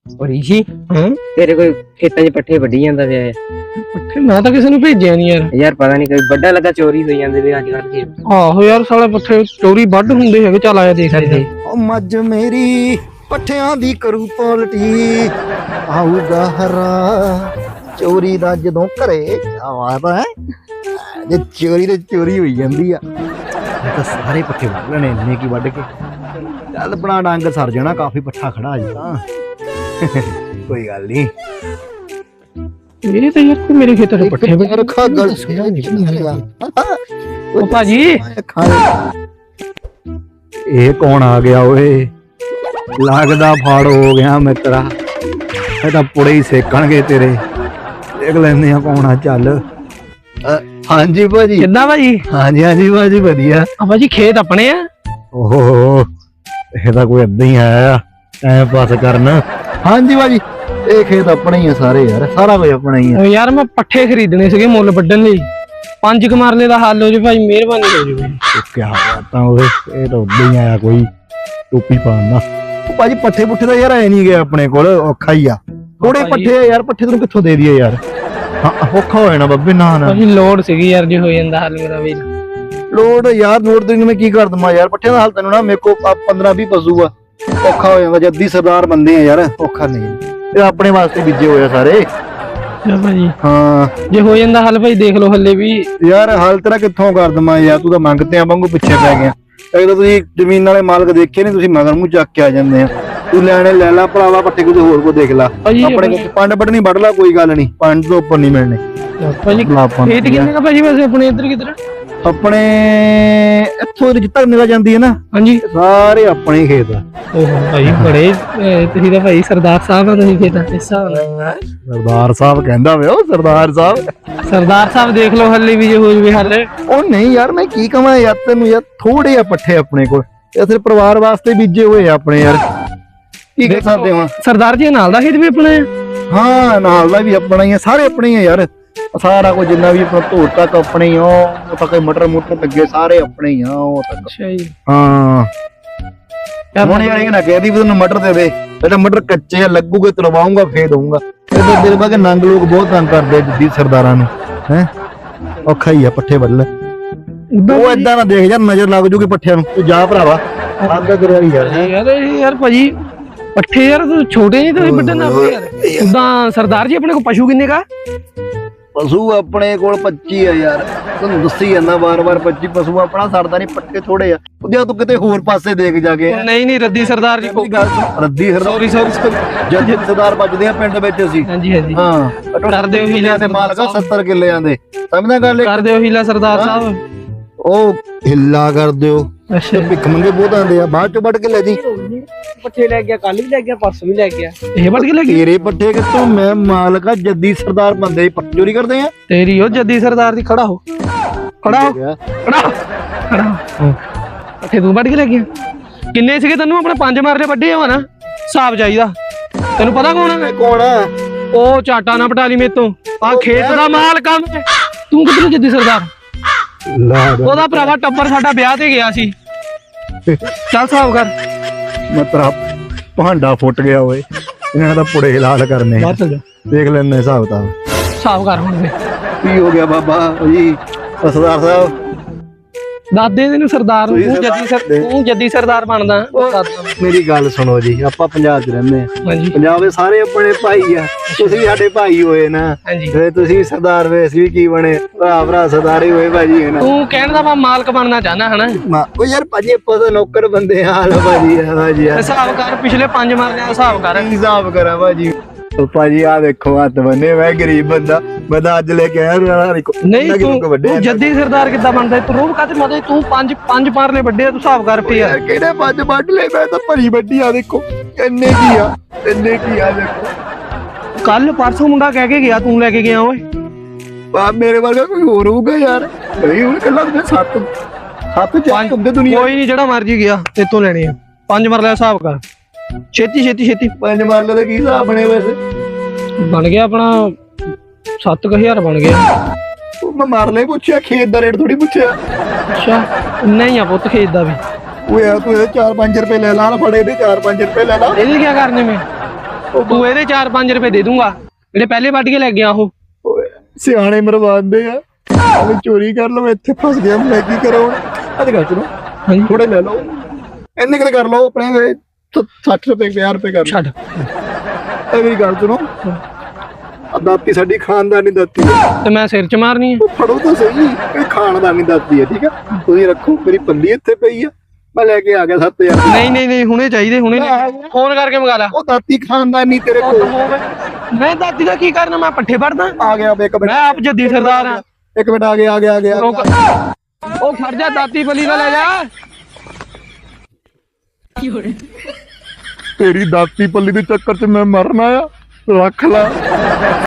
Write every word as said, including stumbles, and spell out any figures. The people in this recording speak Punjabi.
ਰਿਸ਼ੀ ਹਾਂ ਤੇਰੇ ਕੋਈ ਖੇਤਾਂ 'ਚ ਪੱਠੇ ਵੱਢੀ ਜਾਂਦਾ ਪਿਆ ਹੈ। ਪੱਠੇ ਮੈਂ ਤਾਂ ਕਿਸੇ ਨੂੰ ਭੇਜਿਆ ਨਹੀਂ ਯਾਰ। ਯਾਰ ਪਤਾ ਨਹੀਂ ਕੋਈ ਵੱਡਾ ਲੱਗਾ ਚੋਰੀ ਹੋਈ ਜਾਂਦੇ ਵੀ ਅੱਜ ਕੱਲ੍ਹ ਖੇਤ। ਆਹੋ ਯਾਰ ਸਾਲੇ ਪੱਠੇ ਚੋਰੀ ਵੱਢ ਹੁੰਦੇ ਹੈਗੇ। ਚੱਲ ਆਇਆ ਦੇਖ ਲੈਂਦੇ। ਉਹ ਮੱਝ ਮੇਰੀ ਪੱਠਿਆਂ ਦੀ ਕਰੂ ਪੋਲਟੀ ਆਊਗਾ ਹਰਾ ਚੋਰੀ ਦਾ ਜਦੋਂ ਘਰੇ ਆਵਾਦਾ ਹੈ ਜੇ ਚੋਰੀ ਤੇ ਚੋਰੀ ਹੋਈ ਜਾਂਦੀ ਆ ਇਹ ਤਾਂ ਸਾਰੇ ਪੱਠੇ ਵੱਢ ਲੈਣੇ ਇੰਨੇ ਕੀ ਵੱਢ ਕੇ ਚੱਲ ਬਣਾ ਡੰਗ ਸਰ ਜਾਣਾ ਕਾਫੀ ਪੱਠਾ ਖੜਾ ਅਜੇ ਤਾਂ ਕੋਈ ਗੱਲ ਨਹੀਂ। ਇਹ ਤਾਂ ਯਾਰ ਕੋਈ ਮੇਰੇ ਖੇਤਾਂ ਦੇ ਪੱਠੇ ਵੱਢ ਰੱਖਾ ਗੱਲ ਉਹ ਭਾਜੀ ਇਹ ਕੌਣ ਆ ਗਿਆ ਓਏ ਲੱਗਦਾ ਫਾੜ ਹੋ ਗਿਆ ਮਿੱਤਰਾ ਇਹ ਤਾਂ ਪੁੜੇ ਹੀ ਸੇਕਣਗੇ ਤੇਰੇ ਦੇਖ ਲੈਂਦੇ ਆ ਕੌਣ ਆ ਚੱਲ ਹਾਂਜੀ ਭਾਜੀ ਕਿੱਦਾਂ ਭਾਜੀ? ਹਾਂਜੀ ਹਾਂਜੀ ਭਾਜੀ ਵਧੀਆ ਆ ਭਾਜੀ ਖੇਤ ਆਪਣੇ ਆ। ਓਹੋ ਇਹ ਤਾਂ ਕੋਈ ਏਦਾਂ ਹੀ ਆਇਆ ਟਾਈਮ ਪਾਸ ਕਰਨ। ਹਾਂਜੀ ਭਾਜੀ ਇਹ ਖੇਤ ਆਪਣੇ ਹੀ ਆ ਸਾਰੇ ਯਾਰ ਸਾਰਾ ਕੁਝ ਆਪਣਾ ਹੀ ਆ। ਓ ਯਾਰ ਮੈਂ ਪੱਠੇ ਖਰੀਦਣੇ ਸੀਗੇ ਮੁੱਲ ਵੱਢਣ ਲਈ। ਪੰਜ ਕੁ ਮਰਲੇ ਦਾ ਹੱਲ ਹੋ ਜੇ ਭਾਈ ਮਿਹਰਬਾਨੀ ਹੋ ਜੇ। ਕੀ ਬਾਤਾਂ ਓਏ ਇਹ ਤਾਂ ਓਦਾਂ ਹੀ ਆਇਆ ਕੋਈ ਟੋਪੀ ਪਾਉਂਦਾ। ਭਾਜੀ ਪੱਠੇ ਪੁੱਠੇ ਤਾਂ ਯਾਰ ਐ ਨਹੀਂ ਗਿਆ ਆਪਣੇ ਕੋਲ ਔਖਾ ਹੀ ਆ ਥੋੜੇ ਪੱਠੇ ਆ ਯਾਰ ਪੱਠੇ ਤੈਨੂੰ ਕਿੱਥੋਂ ਦੇ ਦਈਏ ਯਾਰ ਹਾਂ ਔਖਾ ਹੋ ਜਾਣਾ ਬੱਬੇ ਨਾ ਨਾ ਭਾਜੀ ਲੋੜ ਸੀਗੀ ਯਾਰ ਜੇ ਹੋ ਜਾਂਦਾ ਹੱਲ ਮੇਰਾ ਵੀ। ਲੋੜ ਯਾਰ ਲੋੜ ਤੈਨੂੰ ਮੈਂ ਕੀ ਕਰ ਦਵਾਂ ਯਾਰ ਪੱਠੇ ਦਾ ਹਾਲ ਤੈਨੂੰ ਨਾ ਮੇਰੇ ਕੋ ਪੰਦਰਾਂ ਵੀਹ ਪਸ਼ੂ ਆ ਔਖਾ ਹੋ ਜਾਂਦਾ ਜੱਦੀ ਸਰਦਾਰ ਬੰਦੇ ਆ ਯਾਰ ਔਖਾ ਨਹੀਂ ਇਹ ਆਪਣੇ ਵਾਸਤੇ ਬੀਜੇ ਹੋਏ ਆ ਸਾਰੇ। ਭਾਜੀ ਹਾਂ ਜੇ ਹੋ ਜਾਂਦਾ ਹੱਲ ਭਾਈ ਦੇਖ ਲਓ ਹੱਲੇ ਵੀ ਯਾਰ ਹਾਲ ਤੇਰਾ ਕਿੱਥੋਂ ਕਰ ਦਵਾਂ ਯਾਰ ਤੂੰ ਤਾਂ ਮੰਗਤੇ ਆ ਵਾਂਗੂ ਪਿੱਛੇ ਪੈ ਗਿਆ ਇੱਕ ਤਾਂ ਤੁਸੀਂ ਜ਼ਮੀਨ ਵਾਲੇ ਮਾਲਕ ਦੇਖੇ ਨਹੀਂ ਤੁਸੀਂ ਮਗਰ ਮੂੰਹ ਚੱਕ ਕੇ ਆ ਜਾਂਦੇ ਆ ਤੂੰ ਲੈਣੇ ਲੈ ਲਾ ਭਰਾਵਾ ਪੱਠੇ ਕੋਈ ਹੋਰ ਕੋ ਦੇਖ ਲਾ ਆਪਣੇ ਕੋਲ ਪੰਡ ਵੱਢਣੀ ਵੱਢ ਲਾ ਕੋਈ ਗੱਲ ਨਹੀਂ ਪੰਜ ਤੋਂ ਉੱਪਰ ਨਹੀਂ ਮਿਲਣੇ ਭਾਜੀ। ਖੇਤ ਕਿੰਨੇ ਕਾ ਭਾਜੀ ਵੈਸੇ ਆਪਣੇ ਇੱਧਰ ਕਿੱਧਰ? ਆਪਣੇ ਇੱਥੋਂ ਜਿੱਤਰ ਨਿਕਲ ਜਾਂਦੀ ਹੈ ਨਾ ਹਾਂਜੀ ਸਾਰੇ ਆਪਣੇ ਖੇਤ ਆ। ਓਹੋ ਭਾਈ ਬੜੇ ਤੁਸੀਂ ਤਾਂ ਭਾਈ ਸਰਦਾਰ ਸਾਹਿਬ ਆ ਤੁਸੀਂ ਖੇਤਾਂ ਇਸ ਹਿਸਾਬ ਨਾਲ। ਸਰਦਾਰ ਸਾਹਿਬ ਕਹਿੰਦਾ ਵੇ ਉਹ ਸਰਦਾਰ ਸਾਹਿਬ ਸਰਦਾਰ ਸਾਹਿਬ ਦੇਖ ਲਓ ਹੱਲੇ ਵੀ ਜੇ ਹੋ ਜਵੇ ਹੱਲ। ਉਹ ਨਹੀਂ ਯਾਰ ਮੈਂ ਕੀ ਕਹਾਂ ਯਾਰ ਤੈਨੂੰ ਯਾਰ ਥੋੜੇ ਆ ਪੱਠੇ ਆਪਣੇ ਕੋਲ ਇਹ ਸਿਰ ਪਰਿਵਾਰ ਵਾਸਤੇ ਬੀਜੇ ਹੋਏ ਆ ਆਪਣੇ ਯਾਰ ਕੀ ਕਰ ਸਕਦੇ ਹਾਂ। ਸਰਦਾਰ ਜੀ ਨਾਲ ਦਾ ਖੇਤ ਵੀ ਆਪਣਾ ਹੈ? ਹਾਂ ਨਾਲ ਦਾ ਵੀ ਆਪਣਾ ਹੀ ਆ ਸਾਰੇ ਆਪਣੇ ਹੀ ਆ ਯਾਰ ਸਾਰਾ ਕੁਝ ਜਿੰਨਾ ਵੀ ਆਪਣਾ ਧੂੜ ਤੱਕ ਆਪਣੇ ਹੀ ਆ ਉਹ ਤੱਕ ਮਟਰ ਮੁਟਰ ਲੱਗੇ ਸਾਰੇ ਆਪਣੇ ਹੀ ਆ ਉਹ ਤੱਕ। ਅੱਛਾ ਜੀ ਹਾਂ ਹੁਣ ਯਾਰ ਇਹ ਨਾ ਕਹਿਦੀ ਵੀ ਤੈਨੂੰ ਮਟਰ ਦੇ ਦੇ ਜਿਹੜਾ ਮਟਰ ਕੱਚੇ ਆ ਲੱਗੂਗੇ ਤਰਵਾਉਂਗਾ ਫੇਰ ਦਊਂਗਾ ਇਹ ਤਾਂ ਦਿਲ ਬਾਗੇ ਨੰਗ ਲੋਕ ਬਹੁਤ ਤੰਗ ਕਰਦੇ ਜੱਦੀ ਸਰਦਾਰਾਂ ਨੂੰ ਹੈ ਔਖਾ ਹੀ ਆ ਪੱਠੇ ਵੱਲ ਉਹ ਏਦਾਂ ਨਾ ਦੇਖ ਯਾਰ ਨਜ਼ਰ ਲੱਗ ਜੂਗੀ ਪੱਠਿਆਂ ਨੂੰ ਤੂੰ ਜਾ ਭਰਾਵਾ ਆਂਦਾ ਕਰਿਆ ਯਾਰ ਯਾਰ ਇਹ ਯਾਰ ਭਾਜੀ ਪੱਠੇ ਯਾਰ ਤੂੰ ਛੋਟੇ ਨਹੀਂ ਤੁਸੀਂ ਵੱਡੇ ਨਾ ਯਾਰ ਉਦਾਂ ਸਰਦਾਰ ਜੀ ਆਪਣੇ ਕੋਲ ਪਸ਼ੂ ਕਿੰਨੇ ਕਾ? ਪਸ਼ੂ ਆਪਣੇ ਕੋਲ ਪੱਚੀ ਆ ਯਾਰ ਤੁਹਾਨੂੰ ਦੱਸੀ ਜਾਂਦਾ ਵਾਰ-ਵਾਰ ਪੱਚੀ ਪਸ਼ੂ ਆਪਣਾ ਸਰਦਾ ਨਹੀਂ ਪੱਠੇ ਥੋੜੇ ਆ ਜੇ ਤੂੰ ਕਿਤੇ ਹੋਰ ਪਾਸੇ ਦੇਖ ਜਾ ਕੇ ਨਹੀਂ ਨਹੀਂ ਰੱਦੀ ਸਰਦਾਰ ਜੀ ਕੋਈ ਗੱਲ ਸੁਣ ਰੱਦੀ ਸਰਦਾਰ ਸੌਰੀ ਸੌਰੀ ਜੱਦੀ ਸਰਦਾਰ ਵੱਜਦੇ ਆ ਪਿੰਡ ਵਿੱਚ ਅਸੀਂ। ਹਾਂਜੀ ਹਾਂਜੀ ਹਾਂ ਕਰਦੇ ਹੋ ਹੀਲਾ ਤੇ ਮਾਲਕਾ ਸੱਤਰ ਕਿੱਲਿਆਂ ਦੇ ਸਮਝਦਾ ਗੱਲ ਕਰਦੇ ਹੋ ਹੀਲਾ ਸਰਦਾਰ ਸਾਹਿਬ ਉਹ ਹਿੱਲਾ ਕਰ ਦਿਓ ਅੱਛਾ ਭਿੱਖ ਮੰਗੇ ਬਹੁਤ ਆਂਦੇ ਆ ਬਾਅਦ ਚੋਂ ਵੱਢ ਕੇ ਲੈ ਜੀ ਪੱਠੇ ਲੈ ਗਿਆ ਕੱਲ ਵੀ ਲੈ ਗਿਆ ਪਰਸੋਂ ਵੀ ਲੈ ਗਿਆ ਇਹ ਵੱਢ ਕੇ ਲੈ ਗਿਆ ਤੇਰੇ ਪੱਠੇ ਕਿੱਥੋਂ ਮੈਂ ਮਾਲਕਾ ਜੱਦੀ ਸਰਦਾਰ ਬੰਦੇ ਪੱਠੇ ਚੋਰੀ ਕਰਦੇ ਆ ਤੇਰੀ ਉਹ ਜੱਦੀ ਸਰਦਾਰ ਦੀ ਖੜਾ ਹੋ ਖੜਾ ਹੋ ਖੜਾ ਹੋ ਖੜਾ ਹੋ ਪੱਠੇ ਤੂੰ ਵੱਢ ਕੇ ਲੈ ਗਿਆ ਕਿੰਨੇ ਸੀਗੇ ਤੈਨੂੰ ਆਪਣੇ ਪੰਜ ਮਾਰਲੇ ਵੱਡੇ ਆ ਨਾ ਹਿਸਾਬ ਚਾਹੀਦਾ ਤੈਨੂੰ ਪਤਾ ਕੌਣ ਹੈ? ਕੌਣ ਆ ਉਹ ਚਾਟਾ ਨਾ ਪਟਾਲੀ ਮੇਰੇ ਤੋਂ ਆ ਖੇਤ ਦਾ ਮਾਲ ਕੰਮ ਤੂੰ ਕਿੱਧਰੋਂ ਜੱਦੀ ਸਰਦਾਰ ਉਹਦਾ ਭਰਾਵਾ ਟੱਬਰ ਸਾਡਾ ਵਿਆਹ ਤੇ ਗਿਆ ਸੀ ਚੱਲ ਹਿਸਾਬ ਕਰ ਮਤਰਾ ਭਾਂਡਾ ਫੁੱਟ ਗਿਆ ਓਏ ਇਹਨਾਂ ਦਾ ਪੁੜੇ ਹਲਾਲ ਕਰਨੇ ਬਾਹਰ ਚੱਲ ਜਾ ਦੇਖ ਲੈਣੇ ਹਿਸਾਬ ਤਾਂ ਹਿਸਾਬ ਕਰ ਹੁਣ ਵੇ ਕੀ ਹੋ ਗਿਆ ਬਾਬਾ ਜੀ ਸਰਦਾਰ ਸਾਹਿਬ ਦਾਦੇ ਨੂੰ ਸਰਦਾਰ ਨੂੰ ਤੂੰ ਜੱਦੀ ਸਰ ਤੂੰ ਜੱਦੀ ਸਰਦਾਰ ਬਣਦਾ ਮੇਰੀ ਗੱਲ ਸੁਣੋ ਜੀ ਆਪਾਂ ਪੰਜਾਬ 'ਚ ਰਹਿੰਦੇ ਆ ਹਾਂਜੀ ਪੰਜਾਬ ਦੇ ਸਾਰੇ ਆਪਣੇ ਭਾਈ ਆ ਤੁਸੀਂ ਸਾਡੇ ਭਾਈ ਹੋਏ ਨਾ ਹਾਂਜੀ ਤੇ ਤੁਸੀਂ ਸਰਦਾਰ ਵੇ ਅਸੀਂ ਵੀ ਕੀ ਬਣੇ ਭਰਾ ਭਰਾ ਸਰਦਾਰ ਹੀ ਹੋਏ ਭਾਜੀ ਹੈ ਨਾ ਤੂੰ ਕਹਿਣ ਦਾ ਵਾ ਮਾਲਕ ਬਣਨਾ ਚਾਹਨਾ ਹਨਾ ਉਹ ਯਾਰ ਭਾਜੀ ਆਪਾਂ ਤਾਂ ਨੌਕਰ ਬੰਦੇ ਆ ਹਾਲ ਭਾਜੀ ਆ ਭਾਜੀ ਹਿਸਾਬ ਕਰ ਪਿਛਲੇ ਪੰਜ ਮਾਰਨੇ ਦਾ ਹਿਸਾਬ ਕਰ ਕੀ ਹਿਸਾਬ ਕਰਾਂ ਭਾਜੀ ਉਹ ਭਾਜੀ ਆ ਦੇਖੋ ਹੱਥ ਬੰਨੇ ਮੈਂ ਗਰੀਬ ਬੰਦਾ ਮੈਂ ਤਾਂ ਅੱਜ ਲੈ ਕੇ ਆਇਆ ਨਹੀਂ ਤੂੰ ਤੂੰ ਜੱਦੀ ਸਰਦਾਰ ਕਿੱਦਾਂ ਬਣਦਾ ਤੂੰ ਰੋਬ ਕਾਤੇ ਮਤੇ ਤੂੰ ਪੰਜ ਪੰਜ ਮਾਰਲੇ ਵੱਡੇ ਆ ਤੂੰ ਹਿਸਾਬ ਕਰ ਪਈ ਯਾਰ ਕਿਹੜੇ ਪੰਜ ਵੱਢ ਲੈ ਮੈਂ ਤਾਂ ਭਰੀ ਵੱਡੀ ਆ ਦੇਖੋ ਇੰਨੇ ਕੀ ਆ ਇੰਨੇ ਕੀ ਆ ਦੇਖੋ ਕੱਲ ਪਰਸੋਂ ਮੁੰਡਾ ਕਹਿ ਕੇ ਗਿਆ ਤੂੰ ਲੈ ਕੇ ਗਿਆ ਓਏ ਆ ਮੇਰੇ ਵਰਗਾ ਕੋਈ ਹੋਰ ਹੋਊਗਾ ਯਾਰ ਨਹੀਂ ਹੁਣ ਕੱਲਾ ਤੇ ਸੱਤ ਸੱਤ ਚੱਕ ਹੁੰਦੇ ਦੁਨੀਆ ਕੋਈ ਨਹੀਂ ਜਿਹੜਾ ਮਰਜੀ ਗਿਆ ਤੇਤੋਂ ਲੈਣੇ ਆ ਪੰਜ ਮਾਰਲੇ ਹਿਸਾਬ ਕਰ ਛੇਤੀ ਛੇਤੀ ਛੇਤੀ ਪੰਜ ਮਾਰਲੇ ਦਾ ਕੀ ਹਿਸਾਬ ਬਣੇ ਵੈਸੇ ਬਣ ਗਿਆ ਆਪਣਾ ਸੱਤ ਕੁ ਹਜ਼ਾਰ ਬਣ ਗਿਆ ਮੈਂ ਮਾਰਲੇ ਪੁੱਛਿਆ ਖੇਤ ਦਾ ਰੇਟ ਥੋੜੀ ਪੁੱਛਿਆ ਅੱਛਾ ਨਹੀਂ ਆ ਪੁੱਤ ਖੇਤ ਦਾ ਵੀ ਓਏ ਆ ਤੂੰ ਇਹ ਚਾਰ ਪੰਜ ਰੁਪਏ ਲੈ ਲਾ ਫੜੇ ਦੇ ਚਾਰ ਪੰਜ ਰੁਪਏ ਲੈ ਲਾ ਇਹਦੇ ਕੀ ਕਰਨੇ ਮੈਂ ਤੂੰ ਇਹਦੇ ਚਾਰ ਪੰਜ ਰੁਪਏ ਦੇ ਦੂੰਗਾ ਜਿਹੜੇ ਪਹਿਲੇ ਵੱਢ ਕੇ ਲੈ ਗਿਆ ਉਹ। ਓਏ ਸਿਆਣੇ ਮਰਵਾਉਂਦੇ ਆ ਮੈਂ ਚੋਰੀ ਕਰ ਲਵਾਂ ਇੱਥੇ ਫਸ ਗਿਆ ਮੈਂ ਕੀ ਕਰਾਂ ਹੁਣ ਅੱਜ ਗੱਲ ਸੁਣੋ ਹਾਂਜੀ ਥੋੜੇ ਲੈ ਲਓ ਇੰਨੇ ਕਿਤੇ ਕਰ ਲਓ ਆਪਣੇ ਸੱਠ ਰੁਪਏ ਪੰਜਾਹ ਰੁਪਏ ਕਰ ਛੱਡ ਇਹ ਮੇਰੀ ਗੱਲ ਸੁਣੋ ਆ ਦਾਤੀ ਸਾਡੀ ਖਾਨਦਾਨੀ ਦਾਤੀ ਹੈ ਤੇ ਮੈਂ ਸਿਰ ਚ ਮਾਰਨੀ ਆ। ਉਹ ਫੜੋ ਤਾਂ ਸਹੀ ਇਹ ਖਾਨਦਾਨੀ ਦਾਤੀ ਹੈ ਠੀਕ ਆ ਤੁਸੀਂ ਰੱਖੋ ਮੇਰੀ ਪੱਲੀ ਇੱਥੇ ਪਈ ਆ ਮੈਂ ਲੈ ਕੇ ਆ ਗਿਆ ਸੱਤ ਹਜ਼ਾਰ ਨਹੀਂ ਨਹੀਂ ਨਹੀਂ ਹੁਣੇ ਚਾਹੀਦੇ ਹੁਣੇ ਫੋਨ ਕਰਕੇ ਮੰਗਾ ਲਾ। ਉਹ ਦਾਤੀ ਖਾਨਦਾਨੀ ਤੇਰੇ ਕੋਲ ਮੈਂ ਦਾਦੀ ਦਾ ਕੀ ਕਰਨਾ ਮੈਂ ਪੱਠੇ ਵੜਦਾ ਆ ਗਿਆ ਇੱਕ ਮਿੰਟ ਮੈਂ ਆਪ ਜੱਦੀ ਸਰਦਾਰ ਆ। ਇੱਕ ਮਿੰਟ ਆ ਗਿਆ ਆ ਗਿਆ ਆ ਗਿਆ ਰੁਕ। ਉਹ ਖੜ ਜਾ ਦਾਤੀ ਬਲੀ ਦਾ ਲੈ ਜਾ। ਤੇਰੀ ਦਾਤੀ ਪੱਲੀ ਦੇ ਚੱਕਰ 'ਚ ਮੈਂ ਮਰਨਾ ਆ ਰੱਖ ਲਾ